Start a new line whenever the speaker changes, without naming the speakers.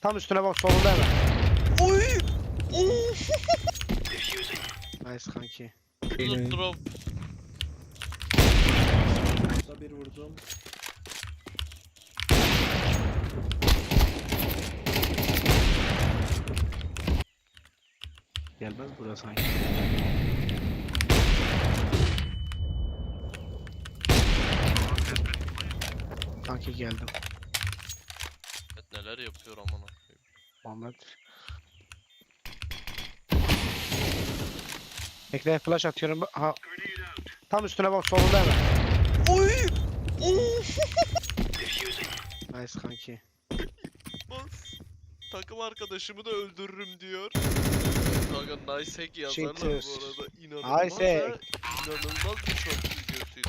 Tam üstüne bak, solunda hemen.
Oy!
Nice kanki.
Drop.
Da bir vurdum.
Gelmez burası sanki. Kanki geldim.
Evet, neler yapıyor aman koyayım.
Muhammed. Bekle, flash atıyorum. Ha. Tam üstüne bak, solunda hemen.
Oy!
Nice kanki.
Bas. Takım arkadaşımı da öldürürüm diyor. Kanka nice hack yazarlar
Cheaters.
bu arada. İnanılmaz
Nice
ha. İnanılmaz bir shot.